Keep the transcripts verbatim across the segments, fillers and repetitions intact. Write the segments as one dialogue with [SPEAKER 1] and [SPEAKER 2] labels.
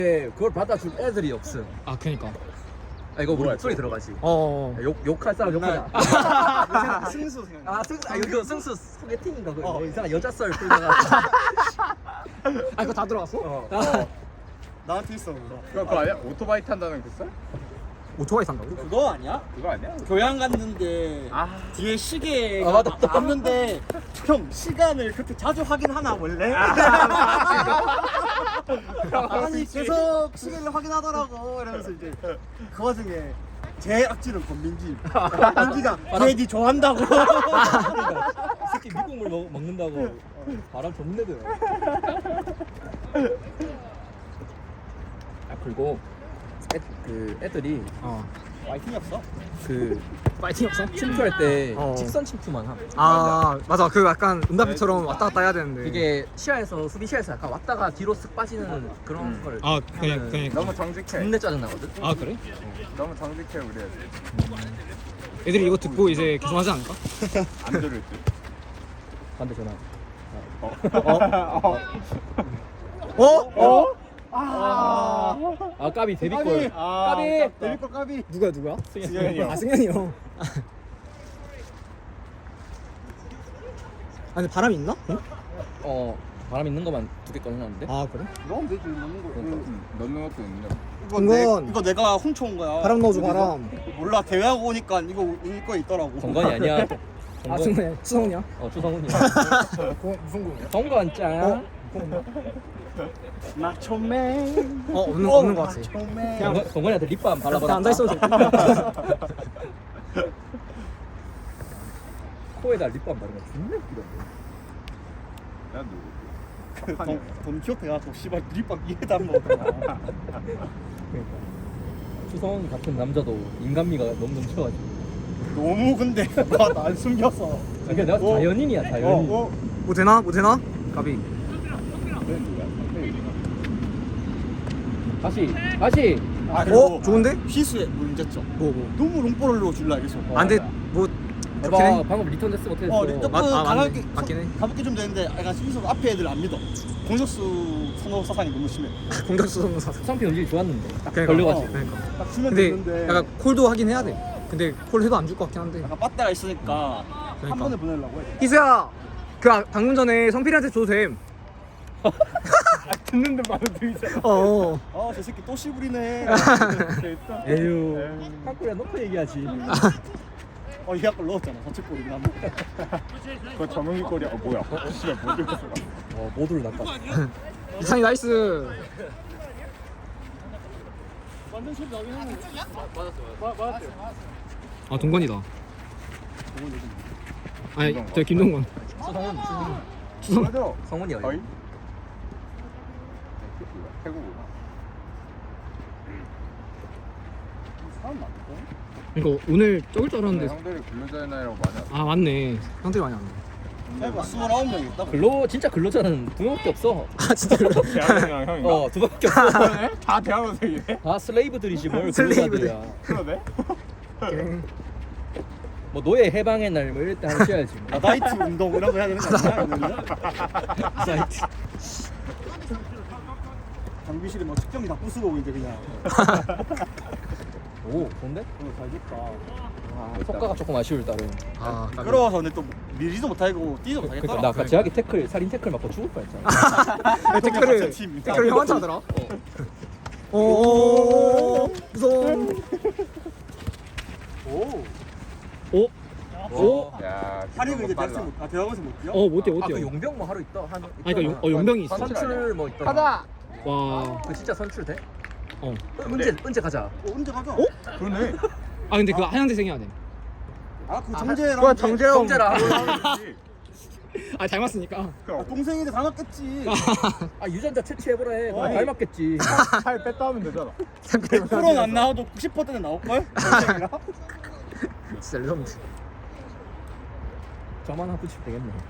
[SPEAKER 1] 네, 그걸 받아줄 애들이 없음.
[SPEAKER 2] 아 그니까.
[SPEAKER 1] 아 이거 우리 목소리 들어가지.
[SPEAKER 2] 어.
[SPEAKER 1] 욕 욕할 사람 욕하자.
[SPEAKER 3] 승수 생각.
[SPEAKER 1] 아 승수 아 이거 승수 소개팅인가 그 어. 이상한 여자 썰 풀다가.
[SPEAKER 2] 아 이거 다 들어갔어?
[SPEAKER 1] 어.
[SPEAKER 3] 어. 나한테 있어 그거.
[SPEAKER 4] 그거 그거 아니야? 오토바이 탄다는 그 썰?
[SPEAKER 2] 오토바이 산다고?
[SPEAKER 3] 그거 아니야?
[SPEAKER 4] 그거 아니야?
[SPEAKER 3] 교양 갔는데
[SPEAKER 4] 아.
[SPEAKER 3] 뒤에 시계가
[SPEAKER 1] 아, 맞다, 맞다.
[SPEAKER 3] 왔는데 형 시간을 그렇게 자주 확인하나 원래? 아니 계속 시계를 확인하더라고 이러면서 이제 그 와중에 제 악질은 권민지 권민지가 걔니 좋아한다고
[SPEAKER 1] 이 새끼 미국물 먹, 먹는다고 바람 존내 들어. 아 그리고 애, 그 애들이
[SPEAKER 2] 어.
[SPEAKER 3] 와이팅이 없어?
[SPEAKER 1] 그
[SPEAKER 2] 파이팅 없어?
[SPEAKER 1] 침투할 때
[SPEAKER 2] 어.
[SPEAKER 1] 직선 침투만 함.
[SPEAKER 2] 아 맞아 그 약간 은담비처럼 왔다 갔다 해야 되는데
[SPEAKER 1] 이게 시야에서 수비 시야에서 약간 왔다가 뒤로 쓱 빠지는 그런
[SPEAKER 4] 음.
[SPEAKER 1] 걸.
[SPEAKER 2] 아 그냥
[SPEAKER 1] 하면은
[SPEAKER 2] 그냥
[SPEAKER 4] 너무 정직해.
[SPEAKER 1] 존내 짜증 나거든.
[SPEAKER 2] 아 그래?
[SPEAKER 4] 너무 정직해 우리 애들.
[SPEAKER 2] 애들이 이거 듣고 이제 개선하지 않을까?
[SPEAKER 4] 안 들을 듯.
[SPEAKER 1] 반대 전화.
[SPEAKER 4] 어?
[SPEAKER 2] 어? 어?
[SPEAKER 3] 아,
[SPEAKER 1] 아 까비 데뷔골.
[SPEAKER 3] 아,
[SPEAKER 1] 까비.
[SPEAKER 3] 데뷔골 까비.
[SPEAKER 2] 누가 누가?
[SPEAKER 4] 승현이 형.
[SPEAKER 2] 아 승현이 형. 아니 바람이 있나? 응?
[SPEAKER 1] 어 바람 있는 것만 두 개 꺼내놨는데.
[SPEAKER 2] 아 그래?
[SPEAKER 3] 넣으면 되지 넣는 거.
[SPEAKER 4] 응, 넣는 것도 있네.
[SPEAKER 3] 이거 내,
[SPEAKER 2] 이건-
[SPEAKER 3] 이거 내가 훔쳐온 거야.
[SPEAKER 2] 바람 넣어줘
[SPEAKER 3] 여기서.
[SPEAKER 2] 바람.
[SPEAKER 3] 몰라 대회하고 오니까 이거 이거 있더라고.
[SPEAKER 1] 정건이 아니야.
[SPEAKER 2] 아 승현이 수성이야?
[SPEAKER 1] 어 추성훈이야.
[SPEAKER 2] 무슨 공이야?
[SPEAKER 1] 정건 짱.
[SPEAKER 2] 어?
[SPEAKER 3] 마초맨.
[SPEAKER 2] 어 없는 없는 거 같아.
[SPEAKER 3] 마초맨.
[SPEAKER 1] 정건, 정건이한테 립밤 발라버렸다.
[SPEAKER 2] 나 앉아 있어도 돼.
[SPEAKER 1] 코에다 립밤 바르면 존나 웃기던데.
[SPEAKER 4] 야 누구?
[SPEAKER 3] 그 돈, 돈 키호테 가서 씨발 드립밥 위에다 먹었잖아.
[SPEAKER 1] 그러니까 추성훈 같은 남자도 인간미가 너무 넘쳐가지고.
[SPEAKER 3] 너무 근데 나안 숨겨서.
[SPEAKER 1] 그러니까 내가
[SPEAKER 3] 어.
[SPEAKER 1] 자연인이야 자연인.
[SPEAKER 3] 어, 어.
[SPEAKER 2] 뭐 되나? 뭐 되나? 가비.
[SPEAKER 4] 쟤 누구야?
[SPEAKER 1] 다시 다시.
[SPEAKER 3] 아,
[SPEAKER 2] 어? 좋은데?
[SPEAKER 3] 희수의 문제점.
[SPEAKER 2] 뭐 뭐.
[SPEAKER 3] 너무 롱볼로 줄라 이래서.
[SPEAKER 1] 어.
[SPEAKER 2] 안 돼. 뭐 그렇긴
[SPEAKER 1] 봐
[SPEAKER 2] 해.
[SPEAKER 1] 방금 리턴 됐으면 어떻게
[SPEAKER 3] 어,
[SPEAKER 1] 됐어?
[SPEAKER 3] 조금
[SPEAKER 2] 맞- 아, 맞네.
[SPEAKER 3] 가볍게
[SPEAKER 2] 맞긴 해.
[SPEAKER 3] 가볍게 좀 되는데 약간 희수 앞에 애들 안 믿어. 공격수 선호 사상이 너무 심해.
[SPEAKER 2] 공격수 선수 사서.
[SPEAKER 1] 상표 연질이 좋았는데 딱
[SPEAKER 2] 그러니까.
[SPEAKER 1] 걸려가지고.
[SPEAKER 2] 그러니까.
[SPEAKER 3] 딱 주면
[SPEAKER 2] 근데
[SPEAKER 3] 되는데
[SPEAKER 2] 약간 콜도 하긴 해야 돼. 근데 콜 해도 안 줄 것 같긴 한데.
[SPEAKER 3] 약간 빠따가 있으니까
[SPEAKER 2] 그러니까.
[SPEAKER 3] 한 번에 보내려고 해.
[SPEAKER 2] 희수야, 그 아- 방금 전에 성필이한테 줘도 됨.
[SPEAKER 4] 듣는데 바로 들리잖아.
[SPEAKER 2] 어.
[SPEAKER 3] 아, 저 새끼 또 씨부리네.
[SPEAKER 1] 에휴. 한국이랑 놓고 얘기하지.
[SPEAKER 3] 어, 이 약골 넣었잖아. 자책골이긴 한데.
[SPEAKER 4] 그거 정은기 꼴이야. 어 뭐야? 어 씨발 못 들었어.
[SPEAKER 1] 어 모두를 낚아.
[SPEAKER 2] 이상이 나이스.
[SPEAKER 3] 완전 소리 나긴 하네.
[SPEAKER 2] 아 동건이다. 아니 저 김동건.
[SPEAKER 1] 추성훈 추성훈.
[SPEAKER 2] 주성.
[SPEAKER 4] 맞아.
[SPEAKER 1] 성훈이 어디?
[SPEAKER 4] 어이? 태국으로.
[SPEAKER 3] 사람 많다.
[SPEAKER 2] 이거 오늘 적을 줄 알았는데.
[SPEAKER 4] 형들이 근로자나이라고 많이 왔어.
[SPEAKER 2] 아 맞네. 형들이 많이 왔네.
[SPEAKER 3] 해봐. 스물아홉 명 있다.
[SPEAKER 1] 근로 진짜 근로자는 두 명밖에 없어.
[SPEAKER 2] 아 진짜 그래.
[SPEAKER 4] 대학생이랑 형인가?
[SPEAKER 1] 어 두 명밖에 없어.
[SPEAKER 4] 다 대학원생이네?
[SPEAKER 1] 다 슬레이브들이지 뭘
[SPEAKER 2] 슬레이브들.
[SPEAKER 1] 근로자들이야.
[SPEAKER 4] 그러네?
[SPEAKER 2] 오케이.
[SPEAKER 1] 뭐 노예 해방의 날 뭐 이럴 때 하셔야지. 뭐.
[SPEAKER 3] 아다이트 운동 이런 거 해야 되는 거 아니야? 이거는?
[SPEAKER 1] 사이트.
[SPEAKER 3] 장비실에 뭐 측정기 다 부수고 이제 그냥.
[SPEAKER 1] 오 좋은데?
[SPEAKER 3] 어, 잘 됐다.
[SPEAKER 1] 아, 효과가 조금 아쉬울 따름.
[SPEAKER 2] 아 까비.
[SPEAKER 3] 끌어와서 근데 또 밀지도 못하고 뛰지도
[SPEAKER 1] 그러니까
[SPEAKER 3] 못하겠더라.
[SPEAKER 1] 나 같이 하기 태클 살인 태클 맞고 죽을 뻔했잖아.
[SPEAKER 2] 댓글을
[SPEAKER 3] 같은 팀.
[SPEAKER 2] 댓글 형한테 하더라. 오 무서워.
[SPEAKER 3] 오.
[SPEAKER 2] 오. 오.
[SPEAKER 4] 야,
[SPEAKER 3] 하리그 이제
[SPEAKER 4] 빨라.
[SPEAKER 3] 대학생 못, 아 대학원생 못 뛰어?
[SPEAKER 2] 어 못해
[SPEAKER 1] 아,
[SPEAKER 2] 못해.
[SPEAKER 1] 그 용병 뭐 하루 있다 한.
[SPEAKER 2] 아 그러니까 용, 어 용병이 있어.
[SPEAKER 4] 선출
[SPEAKER 1] 선출 뭐 있다.
[SPEAKER 4] 가자!
[SPEAKER 2] 와.
[SPEAKER 1] 그 진짜 선출 돼?
[SPEAKER 2] 어.
[SPEAKER 1] 은재 은재 가자.
[SPEAKER 3] 어, 언제 가자?
[SPEAKER 2] 어?
[SPEAKER 4] 그러네.
[SPEAKER 2] 아 근데 그거 하얀색 해야 돼.
[SPEAKER 3] 아그 정재랑.
[SPEAKER 4] 그거 정재형.
[SPEAKER 1] 정재랑.
[SPEAKER 2] 아 닮았으니까.
[SPEAKER 3] 아, 동생인데 닮았겠지.
[SPEAKER 1] 아 유전자 채취해보라 해. 그거
[SPEAKER 3] 아니.
[SPEAKER 1] 닮았겠지.
[SPEAKER 4] 살 뺐다 하면 되잖아.
[SPEAKER 3] 백 퍼센트는 안 나와도 구십 퍼센트는 나올걸? 동생이랑?
[SPEAKER 2] 진짜 레전드.
[SPEAKER 1] 저만 하고 싶 되겠네. 야,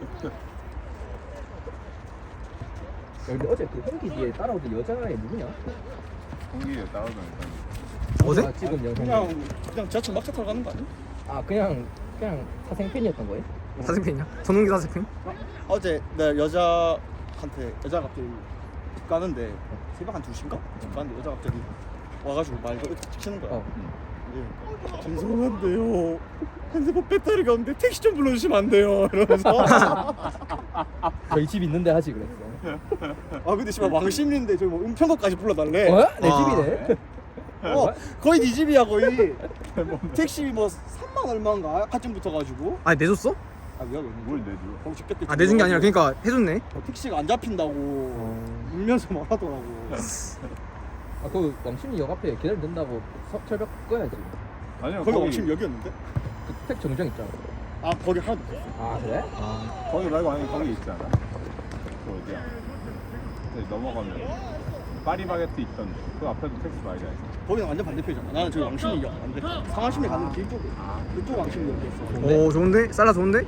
[SPEAKER 1] 근데 어제 그 홍기 뒤에 따라오던 여자애 누구냐?
[SPEAKER 4] 공기에 따라오면
[SPEAKER 2] 어제?
[SPEAKER 1] 아, 지금 영상.
[SPEAKER 3] 그냥 그냥 지하철 막차 타러 가는 거 아니야?
[SPEAKER 1] 아 그냥 그냥 사생팬이었던 거예요?
[SPEAKER 2] 사생팬이야? 전용기 사생팬?
[SPEAKER 3] 어제 내 여자한테 여자가 갑자기 집 가는데 새벽 한 두 시인가? 집 가는데 여자가 갑자기 와가지고 말을 툭툭 치는 거야.
[SPEAKER 1] 어.
[SPEAKER 3] 네. 죄송한데요. 핸드폰 배터리가 없는데 택시 좀 불러주시면 안 돼요. 이러면서
[SPEAKER 1] 저희 집 있는데 하지 그랬어.
[SPEAKER 3] 아 근데 씨발 왕십리인데 저기 뭐 은평구까지 불러달래.
[SPEAKER 1] 어? 내
[SPEAKER 2] 아.
[SPEAKER 1] 집이네.
[SPEAKER 3] 어 거의 네 집이야 거의. 택시 뭐 삼만 얼마인가 아침 붙어가지고.
[SPEAKER 2] 아 내줬어?
[SPEAKER 3] 아 내가 왜
[SPEAKER 4] 뭘 내줘?
[SPEAKER 3] 거기 집겠대.
[SPEAKER 2] 아 내준 게 아니라 그러니까 해줬네.
[SPEAKER 3] 어, 택시가 안 잡힌다고 울면서 말하더라고.
[SPEAKER 1] 아, 그 왕십리 역 앞에 기다리면 된다고 서, 철벽 꺼야지.
[SPEAKER 4] 아니요
[SPEAKER 3] 거기
[SPEAKER 4] 거기
[SPEAKER 3] 왕십 여기였는데?
[SPEAKER 1] 그 택 정정 있잖아.
[SPEAKER 3] 아 거기 하나도 없어.
[SPEAKER 1] 아 그래?
[SPEAKER 4] 거기 말고 아니 거기 있잖아. 그 어디야? 네, 넘어가면 파리바게트 있던데 그 앞에도 택시 많이 다녔어.
[SPEAKER 3] 거기는 완전 반대편이잖아. 나는 저기 왕십리역 완전 상하심리 가는 길 쪽에 그쪽 왕십리역이었어.
[SPEAKER 1] 네.
[SPEAKER 2] 오 좋은데? 살라 좋은데?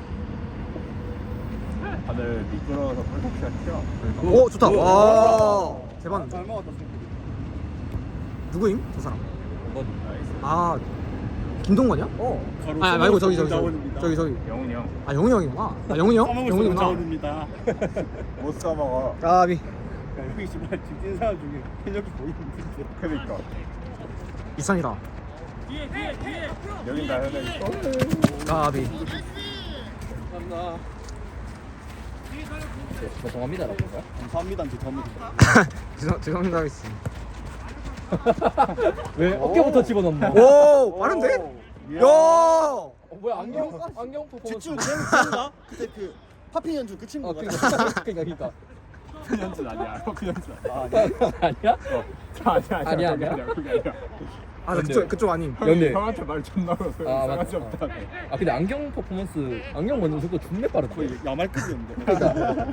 [SPEAKER 4] 다들 미끄러워서 펄떡시가 튀어.
[SPEAKER 2] 오 좋다. 와 대박.
[SPEAKER 3] 잘 먹었다 생각해.
[SPEAKER 2] 누구임? 저 사람.
[SPEAKER 1] 뭐,
[SPEAKER 4] 나이스.
[SPEAKER 2] 아 김동건이야?
[SPEAKER 1] 어.
[SPEAKER 2] 아 말고 저기 저기 저기 저기 저기.
[SPEAKER 4] 영훈이 형.
[SPEAKER 2] 아 영훈이 형이구나. 아 영훈이 형?
[SPEAKER 3] 영훈이
[SPEAKER 2] 영훈이구나.
[SPEAKER 3] 자원입니다.
[SPEAKER 4] 못 써먹어.
[SPEAKER 2] 까비.
[SPEAKER 3] 여기 씨발 집진 사람 중에 현역이 보이는데.
[SPEAKER 4] 그니까
[SPEAKER 2] 이상이다.
[SPEAKER 4] 여긴 다 현역이.
[SPEAKER 2] 까비.
[SPEAKER 3] 감사합니다.
[SPEAKER 1] 네, 죄송합니다라고 거야?
[SPEAKER 3] 감사합니다. 이제 덤이.
[SPEAKER 2] 죄송 죄송합니다 하겠습니다.
[SPEAKER 1] 왜 어깨부터 집어넣나?
[SPEAKER 2] 오 빠른데? 야.
[SPEAKER 1] 어, 뭐야 안경 안경 퍼포먼스.
[SPEAKER 3] 지금 그런가? 그때 그 파피 연주 그
[SPEAKER 1] 어
[SPEAKER 3] 친구가.
[SPEAKER 1] 그러니까 그러니까 그러니까.
[SPEAKER 4] 그 연준 아니야. 그 연준 아니야.
[SPEAKER 3] 아, 아니야?
[SPEAKER 1] 아니야?
[SPEAKER 4] 아니야 아니야.
[SPEAKER 1] 아니야,
[SPEAKER 4] 그게
[SPEAKER 1] 아니야?
[SPEAKER 4] 아니야. 그게 아니야.
[SPEAKER 2] 아 나 그쪽 그쪽 아님.
[SPEAKER 4] 형이
[SPEAKER 1] 연대.
[SPEAKER 4] 형한테 말 존나 걸어서
[SPEAKER 1] 아,
[SPEAKER 4] 이상하지
[SPEAKER 1] 맞다.
[SPEAKER 4] 없다.
[SPEAKER 1] 아 근데 안경 퍼포먼스 안경 먼저 속도 존내 빠르다.
[SPEAKER 3] 거의 야말급이었는데.
[SPEAKER 1] 그러니까.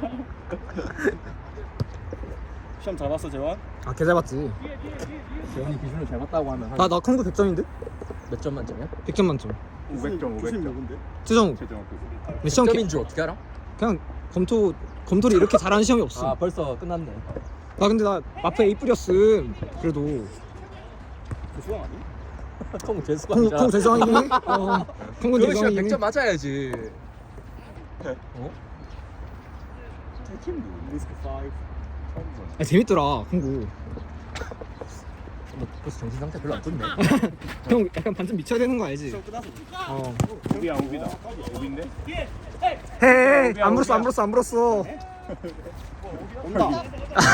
[SPEAKER 3] 시험 잘 봤어 재환?
[SPEAKER 2] 아 개 잘 봤지.
[SPEAKER 1] 재현이 기준을 잘 봤다고 하면 한
[SPEAKER 2] 나나 컴퓨터 백 점인데?
[SPEAKER 1] 몇 점 만점이야?
[SPEAKER 2] 백 점 만점.
[SPEAKER 4] 오백 점, 오백 점.
[SPEAKER 3] 누군데?
[SPEAKER 2] 최종
[SPEAKER 4] 최종 그
[SPEAKER 2] 몇 시험
[SPEAKER 1] 점인 줄 어떻게 알아?
[SPEAKER 2] 그냥 검토 검토를 이렇게 잘하는 시험이 없어.
[SPEAKER 1] 아 벌써 끝났네.
[SPEAKER 2] 나 근데 나 마페 A 뿌렸음. 그래도
[SPEAKER 3] 그 수강 아니?
[SPEAKER 1] 통
[SPEAKER 2] 콩
[SPEAKER 1] 재수강이잖아.
[SPEAKER 2] 콩 대성이긴 해. 어. 콩은
[SPEAKER 1] 그거 시간
[SPEAKER 2] 대성이긴
[SPEAKER 1] 백
[SPEAKER 2] 해.
[SPEAKER 1] 점 맞아야지. 어?
[SPEAKER 4] 팀 누구?
[SPEAKER 3] 리스크 오.
[SPEAKER 4] 처음 보네.
[SPEAKER 2] 아 재밌더라 콩구.
[SPEAKER 1] 너 벌써 정신 상태 별로 안 좋네.
[SPEAKER 2] 형 약간 반쯤 미쳐야 되는 거 알지?
[SPEAKER 3] 시험 끝났어.
[SPEAKER 2] 어.
[SPEAKER 4] 오비야 오비다. 오비인데?
[SPEAKER 2] 헤이 안 불었어 안 불었어 안 불었어.
[SPEAKER 3] 온다.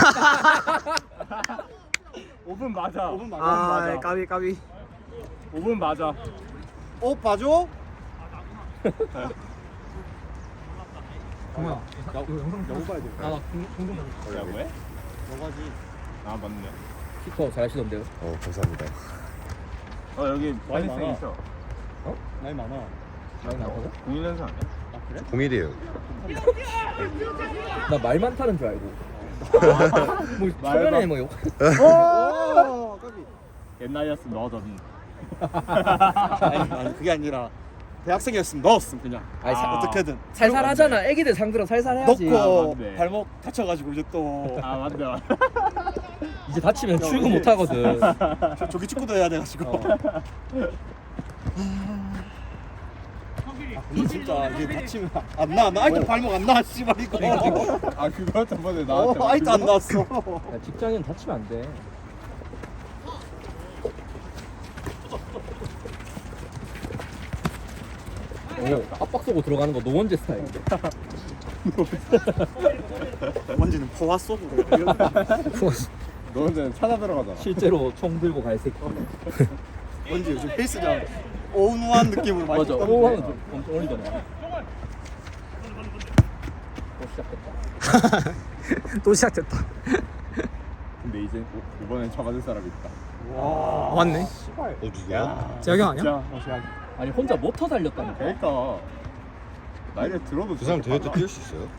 [SPEAKER 4] 오 분 맞아.
[SPEAKER 3] 오 분 맞아.
[SPEAKER 2] 아
[SPEAKER 4] 맞아.
[SPEAKER 2] 까비 까비.
[SPEAKER 4] 오 분 맞아.
[SPEAKER 3] 어 봐줘.
[SPEAKER 2] 정말. 야 이거 영상
[SPEAKER 3] 야구 봐야 돼.
[SPEAKER 1] 아 공동
[SPEAKER 4] 뭐라고 해?
[SPEAKER 3] 너가지.
[SPEAKER 4] 아 맞네.
[SPEAKER 1] 키퍼 잘하시던데요?
[SPEAKER 5] 어 감사합니다.
[SPEAKER 4] 어 여기
[SPEAKER 3] 많이
[SPEAKER 4] 많이
[SPEAKER 3] 많아.
[SPEAKER 4] 있어.
[SPEAKER 3] 나이 많아.
[SPEAKER 1] 많이 나거든?
[SPEAKER 4] 공일 연습 아니야?
[SPEAKER 3] 아 그래?
[SPEAKER 5] 공일이에요.
[SPEAKER 1] 나 말 많다는 줄 알고. 뭐
[SPEAKER 4] 말
[SPEAKER 1] 초면에
[SPEAKER 4] 많-
[SPEAKER 1] 뭐 욕.
[SPEAKER 3] 오 까비.
[SPEAKER 4] 옛날이었으면 넣어줬는.
[SPEAKER 3] 아니 아니 그게 아니라 대학생이었으면 넣었음 그냥.
[SPEAKER 1] 아니 사-
[SPEAKER 4] 아.
[SPEAKER 3] 어떻게든.
[SPEAKER 1] 살살 하잖아. 애기들 상대로 살살 해야지.
[SPEAKER 3] 넣고
[SPEAKER 4] 아, 맞네.
[SPEAKER 3] 발목 다쳐가지고 이제 또
[SPEAKER 4] 아 맞네. 맞네.
[SPEAKER 1] 이제 다치면 출근 못 하거든.
[SPEAKER 3] 저, 조기 축구도 해야 돼가지고.
[SPEAKER 1] 어.
[SPEAKER 3] 아, 근데 진짜 이제 다치면 안 나. 나 아직도 발목 안 나. 씨발 이거.
[SPEAKER 4] 아 그거 저번에
[SPEAKER 3] 어,
[SPEAKER 4] 나한테.
[SPEAKER 3] 아직도 안 나왔어.
[SPEAKER 1] 야, 직장인 다치면 안 돼. 오, 압박 쏘고 들어가는 거 노원재 스타일인데.
[SPEAKER 3] 원지는 포화 쏘고.
[SPEAKER 4] 너 혼자 찾아 들어가잖아.
[SPEAKER 1] 실제로 총 들고 갈 새끼.
[SPEAKER 3] 원지 요즘 헬스장 온화한 느낌으로 많이
[SPEAKER 1] 맞아.
[SPEAKER 3] 떴는데.
[SPEAKER 1] 오 하면 좀 엄청 올리잖아. 또 시작했다.
[SPEAKER 2] 또 시작됐다.
[SPEAKER 4] 근데 이제 오- 이번엔 잡아줄 사람이 있다.
[SPEAKER 2] 아, 맞네.
[SPEAKER 3] 씨발.
[SPEAKER 5] 어 누구야?
[SPEAKER 2] 재혁이 형 아니야?
[SPEAKER 4] 진짜.
[SPEAKER 1] 아니 혼자 모터 달렸다니까.
[SPEAKER 4] 그러니까 나이를 들어도
[SPEAKER 5] 그 사람 대회 때 뛸 수 있어요?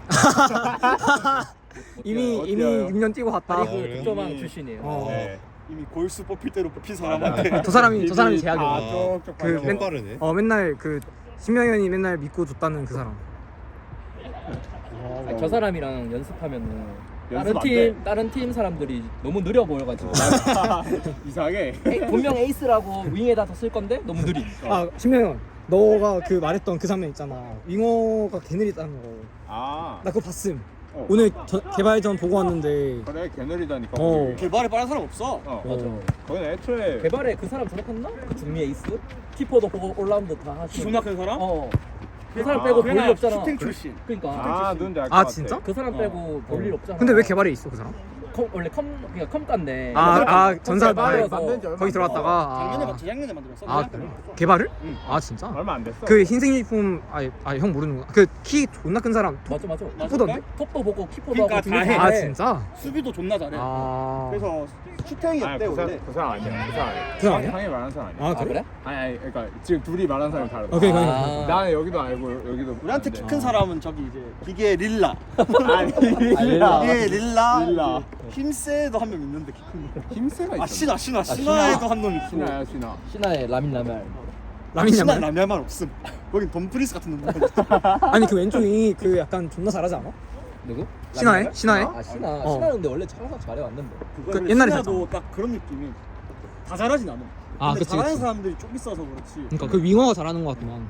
[SPEAKER 2] 이미
[SPEAKER 4] 어때요?
[SPEAKER 2] 이미 육 년 뛰고 갔다.
[SPEAKER 1] 아니 그
[SPEAKER 5] 그래요?
[SPEAKER 1] 득점왕 출신이에요.
[SPEAKER 2] 어.
[SPEAKER 4] 네.
[SPEAKER 3] 이미 골수 뽑힐 대로 뽑힌 사람한테.
[SPEAKER 2] 저 사람이 저 사람이
[SPEAKER 4] 아,
[SPEAKER 2] 재혁이야.
[SPEAKER 4] 쪽쪽
[SPEAKER 2] 그
[SPEAKER 4] 발목.
[SPEAKER 2] 맨-
[SPEAKER 5] 빠르네.
[SPEAKER 2] 어 맨날 그 신명현이 맨날 믿고 줬다는 그 사람.
[SPEAKER 1] 아니, 저 사람이랑 연습하면은 다른
[SPEAKER 4] 연습 안
[SPEAKER 1] 팀
[SPEAKER 4] 돼.
[SPEAKER 1] 다른 팀 사람들이 너무 느려 보여가지고
[SPEAKER 4] 이상하게.
[SPEAKER 1] 에이, 분명 에이스라고 윙에다 더 쓸 건데 너무 느리.
[SPEAKER 2] 아 신명현, 너가 그 말했던 그 장면 있잖아. 윙어가 개 느리다는 거.
[SPEAKER 4] 아.
[SPEAKER 2] 나 그거 봤음.
[SPEAKER 4] 어.
[SPEAKER 2] 오늘 저, 개발전 보고 왔는데
[SPEAKER 4] 그래 개 느리다니까.
[SPEAKER 2] 어.
[SPEAKER 4] 거기.
[SPEAKER 3] 개발에 빠른 사람 없어.
[SPEAKER 4] 어.
[SPEAKER 1] 맞아.
[SPEAKER 4] 거기는 애초에
[SPEAKER 1] 개발에 그 사람 졸업했나? 그 중미 에이스? 키퍼도 보고 올라운드 다 하시고.
[SPEAKER 3] 존나 큰 사람?
[SPEAKER 1] 어. 그 사람
[SPEAKER 4] 아,
[SPEAKER 1] 빼고 볼 일
[SPEAKER 3] 걔가
[SPEAKER 1] 없잖아.
[SPEAKER 3] 슈팅 출신.
[SPEAKER 1] 그러니까.
[SPEAKER 4] 아 누군지 알것
[SPEAKER 2] 아,
[SPEAKER 4] 같아.
[SPEAKER 2] 진짜?
[SPEAKER 1] 그 사람 빼고 볼 일 없잖아.
[SPEAKER 2] 근데 왜 개발에 있어 그 사람?
[SPEAKER 1] 컴, 원래 컴 그러니까 컴가인데.
[SPEAKER 2] 아, 아 전사
[SPEAKER 1] 개발해서
[SPEAKER 4] 만든 지 얼마
[SPEAKER 2] 거기
[SPEAKER 4] 안
[SPEAKER 2] 들어갔다가
[SPEAKER 3] 작년에
[SPEAKER 2] 아,
[SPEAKER 3] 막 재작년에 만들었어.
[SPEAKER 2] 아
[SPEAKER 3] 그냥.
[SPEAKER 2] 그래? 개발을?
[SPEAKER 3] 응.
[SPEAKER 2] 아 진짜?
[SPEAKER 4] 얼마 안 됐어.
[SPEAKER 2] 그 흰색 유니폼 아형 모르는구나. 그 키 존나 큰 사람
[SPEAKER 1] 맞아 맞아.
[SPEAKER 2] 키보던데?
[SPEAKER 1] 톱도 보고 키퍼도
[SPEAKER 3] 그러니까
[SPEAKER 1] 하고
[SPEAKER 3] 다 해.
[SPEAKER 2] 아 진짜?
[SPEAKER 3] 수비도 존나 잘해.
[SPEAKER 2] 아
[SPEAKER 3] 그래서 슈팅이
[SPEAKER 4] 아니
[SPEAKER 3] 없대
[SPEAKER 4] 그, 사,
[SPEAKER 3] 원래.
[SPEAKER 4] 그 사람 아니야. 그 사람 아니야.
[SPEAKER 2] 그 사람 아니야?
[SPEAKER 4] 상해 말하는 사람 아니야.
[SPEAKER 2] 아
[SPEAKER 1] 아
[SPEAKER 2] 그래?
[SPEAKER 1] 그래?
[SPEAKER 4] 아니 아니 그러니까 지금 둘이 말하는 사람이 다르다.
[SPEAKER 2] 오케이 오케이.
[SPEAKER 1] 아.
[SPEAKER 4] 나는 여기도 알고 여기도
[SPEAKER 3] 우리한테 키
[SPEAKER 4] 아는데.
[SPEAKER 3] 큰 사람은 저기 이제 기계 릴라.
[SPEAKER 4] 아니
[SPEAKER 1] 릴라.
[SPEAKER 3] 예 릴라.
[SPEAKER 4] 릴라.
[SPEAKER 3] 힘세도 한 명 있는데 키 큰 거.
[SPEAKER 4] 힘세가 있어.
[SPEAKER 3] 아 신화 신화
[SPEAKER 1] 신화.
[SPEAKER 3] 신화에도 한 놈 있고.
[SPEAKER 4] 신화야 신화.
[SPEAKER 1] 신화의 라민 라멜.
[SPEAKER 2] 라민
[SPEAKER 3] 신화
[SPEAKER 2] 양말?
[SPEAKER 3] 라면만 없음. 거긴 덤프리스 같은 놈.
[SPEAKER 2] 아니 그 왼쪽이 그 약간 존나 잘하지 않아?
[SPEAKER 1] 누구?
[SPEAKER 2] 신화에?
[SPEAKER 1] 라민
[SPEAKER 2] 신화에?
[SPEAKER 1] 라멜? 아 신화.
[SPEAKER 2] 어.
[SPEAKER 1] 신화는 근데 원래 항상 잘해 왔는데.
[SPEAKER 3] 그거
[SPEAKER 2] 옛날에
[SPEAKER 3] 신화도 딱 그런 느낌이 다 잘하진 않아.
[SPEAKER 2] 아,
[SPEAKER 3] 근데
[SPEAKER 2] 그치,
[SPEAKER 3] 잘하는
[SPEAKER 2] 그치.
[SPEAKER 3] 사람들이 좀 있어서 그렇지.
[SPEAKER 2] 그러니까 그 윙어가 잘하는 것 같구만.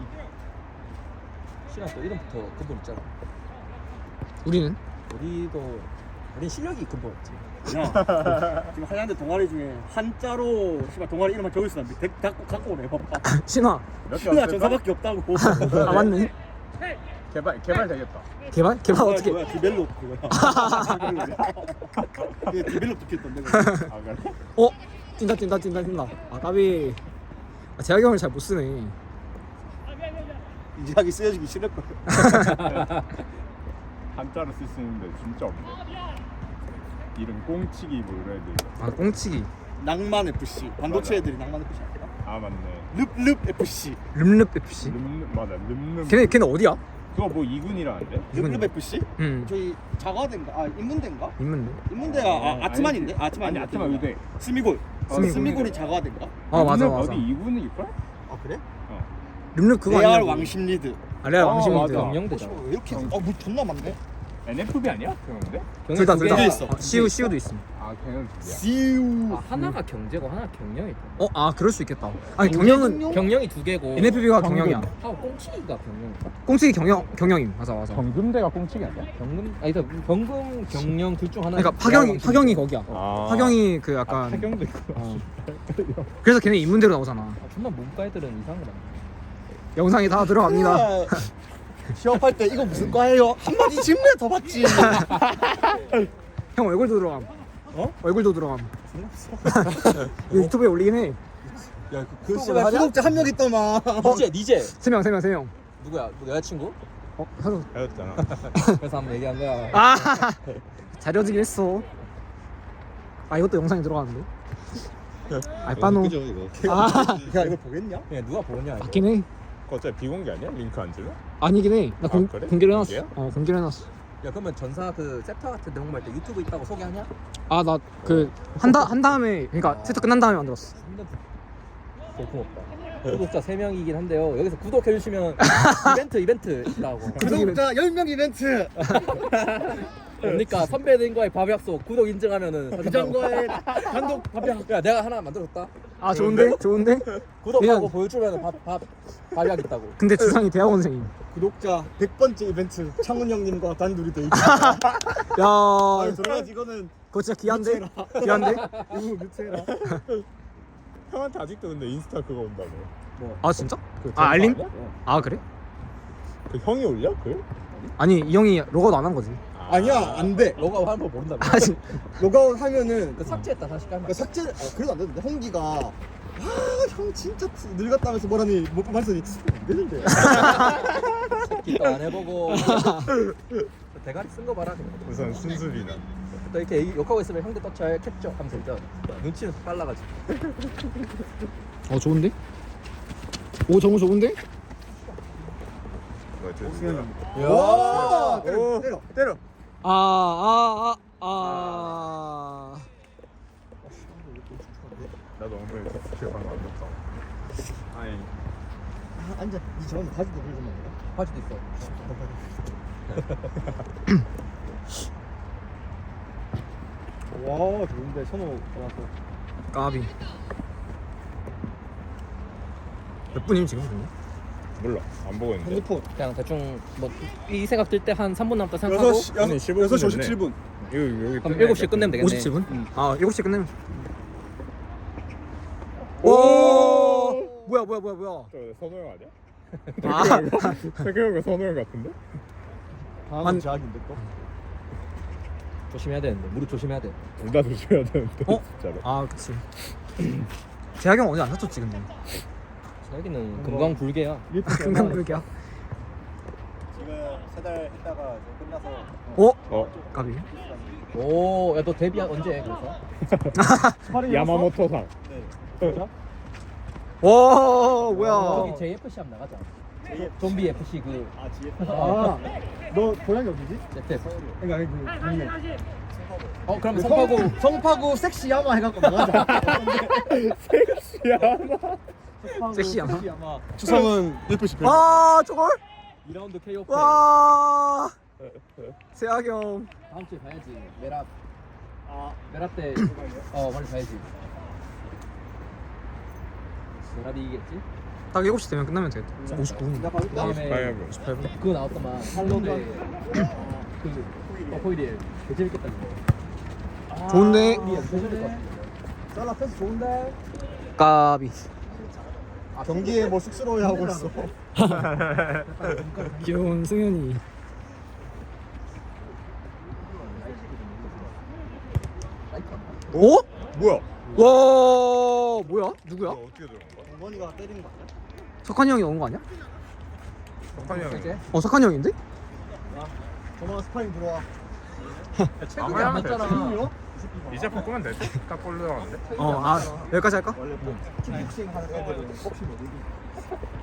[SPEAKER 1] 신화 또 이름부터 근본 있잖아.
[SPEAKER 2] 우리는?
[SPEAKER 1] 우리도 우린 실력이 근본이지.
[SPEAKER 3] 야, 지금 하얀데 동아리 중에 한자로 씨발 동아리 이름만 적을 수 있는데 덱 갖고 갖고 오래 봐봐.
[SPEAKER 2] 신화.
[SPEAKER 4] 몇개
[SPEAKER 3] 신화
[SPEAKER 4] 없을까?
[SPEAKER 3] 전사밖에 없다고.
[SPEAKER 2] 아 맞네.
[SPEAKER 4] 개발 개발 되겠다.
[SPEAKER 2] 개발? 개발
[SPEAKER 3] 뭐야,
[SPEAKER 2] 어떻게?
[SPEAKER 3] 뭐야 디벨롭 그거야. 이게 디벨롭 듣겠던데. 그거.
[SPEAKER 4] 아 그래?
[SPEAKER 2] 어? 뛴다 뛴다 뛴다 뛴다. 아 까비. 아, 재학이 형을 잘 못 쓰네.
[SPEAKER 3] 이지하기 쓰여지기 싫을 걸.
[SPEAKER 4] 한자로 쓸 수 있는데 진짜 없네. 이름 꽁치기 뭐 이런 애들.
[SPEAKER 2] 아 꽁치기.
[SPEAKER 3] 낭만 에프씨. 반도체 애들이 낭만 에프씨 아니야?
[SPEAKER 4] 아 맞네.
[SPEAKER 3] 릅릅 에프씨.
[SPEAKER 2] 름릅 에프씨.
[SPEAKER 4] 름름 맞아 름름.
[SPEAKER 2] 걔네 걔네 어디야?
[SPEAKER 4] 그거 뭐 이군이라는데?
[SPEAKER 2] 이군이요?
[SPEAKER 3] 릅릅 에프씨?
[SPEAKER 2] 응.
[SPEAKER 3] 저희 자과대인가? 아 인문대인가?
[SPEAKER 2] 있는데.
[SPEAKER 3] 인문대가 아, 아트만인데? 아트만
[SPEAKER 4] 아니 아트만 의대.
[SPEAKER 3] 스미골.
[SPEAKER 2] 스미골.
[SPEAKER 3] 스미골이 자과대인가?
[SPEAKER 2] 아 맞아
[SPEAKER 4] 름름
[SPEAKER 2] 맞아.
[SPEAKER 4] 어디 이군일 걸?
[SPEAKER 3] 아 그래?
[SPEAKER 4] 어.
[SPEAKER 2] 름릅 그거
[SPEAKER 3] 레알
[SPEAKER 2] 아니야?
[SPEAKER 3] 왕심 리드.
[SPEAKER 2] 아 레알
[SPEAKER 4] 어,
[SPEAKER 2] 왕심인데.
[SPEAKER 4] 맞아.
[SPEAKER 1] 경영대잖아.
[SPEAKER 3] 왜 이렇게? 어뭐 존나 많네.
[SPEAKER 4] 엔에프비 아니야? 그런데?
[SPEAKER 2] 둘다 둘 다.
[SPEAKER 3] 두 개 있어.
[SPEAKER 2] 어, 시우 시우도 있어.
[SPEAKER 4] 아 걔는 둘이야.
[SPEAKER 3] 시우.
[SPEAKER 1] 아, 하나가 경제고 하나 경영이.
[SPEAKER 2] 어, 아 그럴 수 있겠다. 아니 경영은
[SPEAKER 1] 경영이 두 개고.
[SPEAKER 2] 엔에프비가 경영이야.
[SPEAKER 1] 하고 꽁치기가 경영.
[SPEAKER 2] 꽁치기 경영 경영임. 맞아 맞아.
[SPEAKER 4] 경금대가 꽁치기 아니야?
[SPEAKER 1] 경금 아니 그 경금 경영 둘 중 하나.
[SPEAKER 2] 그러니까 파경이 파경이 거기야.
[SPEAKER 4] 아.
[SPEAKER 2] 파경이 그 약간.
[SPEAKER 4] 아, 파경도 있고.
[SPEAKER 2] 어. 그래서 걔네 인문대로 나오잖아.
[SPEAKER 1] 아, 존나 문과 애들은 이상한 거다.
[SPEAKER 2] 영상이 다 들어갑니다.
[SPEAKER 3] 취업할 때 이거 무슨 과예요? 한마디 질문에 더 받지.
[SPEAKER 2] 형 얼굴도 들어감. 어? 얼굴도 들어감. 이거 유튜브에 올리긴 해.
[SPEAKER 3] 야, 그 씨발 구독자 한 명 있더만.
[SPEAKER 1] 니제 니제
[SPEAKER 2] 세 명, 세 명, 세 명.
[SPEAKER 1] 누구야? 너 여자친구?
[SPEAKER 2] 어, 서로.
[SPEAKER 4] 헤어졌잖아.
[SPEAKER 1] 그래서 한번 얘기한 거야.
[SPEAKER 2] 아, 잘려지긴 했어. 아, 이것도 영상에 들어가는데. 아, 빠노.
[SPEAKER 5] 그죠 이거.
[SPEAKER 2] 아,
[SPEAKER 3] 야, 이거 보겠냐?
[SPEAKER 1] 그냥 누가 보냐 이거.
[SPEAKER 2] 맞긴 해.
[SPEAKER 4] 그거 어차피 비공개 아니야? 링크 안 줄래?
[SPEAKER 2] 아니긴 해. 나 공,
[SPEAKER 4] 아, 그래?
[SPEAKER 2] 공개를 해놨어.
[SPEAKER 4] 공개야?
[SPEAKER 2] 어, 공개를 해놨어.
[SPEAKER 1] 야 그러면 전사 그 세터 같은 데 공부할 때 유튜브 있다고 소개하냐?
[SPEAKER 2] 아, 나 그 한다 한 다음에 그러니까 세트 끝난 다음에 만들었어.
[SPEAKER 1] 고맙다. 구독자 세 명이긴 한데요. 여기서 구독해 주시면 이벤트 이벤트라고.
[SPEAKER 3] 구독자 열 명 이벤트.
[SPEAKER 1] 그러니까 선배들과의 밥 약속 구독 인증하면은
[SPEAKER 3] 부장과의 단독 밥약.
[SPEAKER 1] 야 내가 하나 만들었다.
[SPEAKER 2] 아, 좋은데? 좋은데?
[SPEAKER 1] 구독하고
[SPEAKER 2] 그냥-
[SPEAKER 1] 보여주면 밥밥 밥약 있다고.
[SPEAKER 2] 근데 주상이 대학원생임.
[SPEAKER 3] 구독자 백 번째 이벤트 창훈 형님과 단둘이 데이트.
[SPEAKER 2] 야,
[SPEAKER 3] 아, 들어가지 이거는
[SPEAKER 2] 그거 진짜 귀한데? 귀한데?
[SPEAKER 3] 이거 뮤트해라.
[SPEAKER 4] 형한테 아직도 근데 인스타 그거 온다고.
[SPEAKER 2] 아, 진짜?
[SPEAKER 4] 그
[SPEAKER 2] 아, 알림?
[SPEAKER 4] 아니야?
[SPEAKER 2] 아, 그래?
[SPEAKER 4] 그 형이 올려? 그?
[SPEAKER 2] 아니, 이 형이 로그아웃 안 한 거지.
[SPEAKER 3] 아니야, 안 돼.
[SPEAKER 1] 로그아웃 하는 거 모른다며.
[SPEAKER 2] 아, 진
[SPEAKER 3] 로그아웃 하면은
[SPEAKER 1] 그 삭제했다 다시 깔면.
[SPEAKER 3] 그 삭제. 아, 그래도 안 되는데 홍기가 아, 형 진짜 늙었다면서 뭐라니 뭐 말씀이 안 되는데.
[SPEAKER 1] 기도 안 해보고 대가리 쓴 거 봐라. 그냥.
[SPEAKER 4] 우선 순수리나.
[SPEAKER 1] 또 이렇게 욕하고 있으면 형들 떡잘 캡죠 하면서 일단 눈치는 빨라가지고.
[SPEAKER 2] 어, 좋은데? 오, 정우 좋은데?
[SPEAKER 4] 뭐 됐어.
[SPEAKER 3] 와, 때려,
[SPEAKER 4] 오.
[SPEAKER 3] 때려, 때려.
[SPEAKER 2] 아, 아, 아, 아.
[SPEAKER 4] 나도 엉덩이 기억한 거 안 났다. 아니
[SPEAKER 3] 아, 앉아. 이 저는 바지도 들고 먹어.
[SPEAKER 1] 바지도 있어.
[SPEAKER 3] 와, 좋은데 선호 와서.
[SPEAKER 2] 까비. 몇 분임 지금? 그러면?
[SPEAKER 4] 몰라. 안 보고 있는데.
[SPEAKER 3] 핸드폰
[SPEAKER 1] 그냥 대충 뭐 이 생각 들 때 한 삼 분 남았다 생각하고
[SPEAKER 3] 여섯 시
[SPEAKER 4] 오늘 십오 분
[SPEAKER 3] 여섯 시
[SPEAKER 4] 됐네.
[SPEAKER 3] 오십칠 분.
[SPEAKER 4] 여기 여기
[SPEAKER 1] 그럼 일곱 시에 끝내면 되겠네.
[SPEAKER 2] 오십칠 분?
[SPEAKER 1] 음.
[SPEAKER 2] 아 일곱 시에 끝내면.
[SPEAKER 4] 오!
[SPEAKER 2] 오 뭐야 뭐야 뭐야 뭐야.
[SPEAKER 4] 저 선호형 아니야?
[SPEAKER 2] 아
[SPEAKER 4] 생각해보니까 선호형 같은데?
[SPEAKER 3] 다음은
[SPEAKER 2] 한-
[SPEAKER 3] 제약인데 또.
[SPEAKER 1] 조심해야 되는데 무릎 조심해야 돼.
[SPEAKER 4] 둘 다 조심해야 되는데
[SPEAKER 2] 어?
[SPEAKER 4] 진짜로.
[SPEAKER 2] 아 그치. 재학이 형 어제 안 다쳤지 근데.
[SPEAKER 1] 여기는 금강 불개야.
[SPEAKER 2] 금강 불기야.
[SPEAKER 3] 지금 세 달 했다가 이제 끝나서
[SPEAKER 2] 어?
[SPEAKER 4] 어?
[SPEAKER 2] 가비.
[SPEAKER 1] 오, 야 너 데뷔 언제 해 그래서?
[SPEAKER 4] 야마모토상.
[SPEAKER 3] 네.
[SPEAKER 2] 와 뭐야.
[SPEAKER 1] 저기 제이에프씨 한번 나가자. 좀비 에프씨 그
[SPEAKER 3] 아 지에.
[SPEAKER 2] 아.
[SPEAKER 3] 너 고향이 어디지?
[SPEAKER 1] 제트에프.
[SPEAKER 3] 그러니까 그 동네.
[SPEAKER 1] 어 그럼 성파구
[SPEAKER 3] 성파구 섹시 야마 해갖고 나가자.
[SPEAKER 4] 섹시하다.
[SPEAKER 2] 섹시 야마?
[SPEAKER 3] 야마. 추성은 예쁘시 별.
[SPEAKER 2] 아 저걸?
[SPEAKER 1] 이 라운드 케이오.
[SPEAKER 2] 와. 재학이 형.
[SPEAKER 1] 다음 주에 봐야지. 메랍
[SPEAKER 3] 아
[SPEAKER 1] 메랍 때어 빨리 봐야지. 메랍이 이기겠지?
[SPEAKER 2] 딱 일곱 시 되면 끝나면 되겠다. 오십구 분.
[SPEAKER 1] 그다음에
[SPEAKER 4] 가야금.
[SPEAKER 2] 오십팔 분.
[SPEAKER 1] 그거 나왔더만 할로데 그 어포이리엘 개 재밌겠다 그거.
[SPEAKER 2] 좋은데.
[SPEAKER 1] 우리 개 재밌을 것 같아.
[SPEAKER 3] 썰라 패스 좋은데.
[SPEAKER 2] 까비.
[SPEAKER 3] 경기에 뭐 쑥스러워하고 있어.
[SPEAKER 2] 귀여운 승현이. 오?
[SPEAKER 4] 뭐야?
[SPEAKER 2] 와 뭐야? 누구야?
[SPEAKER 4] 어떻게 들어간 거야?
[SPEAKER 3] 어머니가 때린 거 아니야?
[SPEAKER 2] 석환이 형이 온 거 아니야?
[SPEAKER 4] 석환이 형이.
[SPEAKER 1] 이제
[SPEAKER 2] 어 석환이 형인데?
[SPEAKER 3] 전화 스파링 들어와.
[SPEAKER 1] 체급이
[SPEAKER 4] 아마
[SPEAKER 1] 안
[SPEAKER 4] 하면
[SPEAKER 1] 맞잖아.
[SPEAKER 4] 이제 바꾸면 되지? 딱골 들어갔는데?
[SPEAKER 2] 어 아 여기까지 할까?
[SPEAKER 3] 원래 킥복싱 하는 애들은 복싱 못 이기.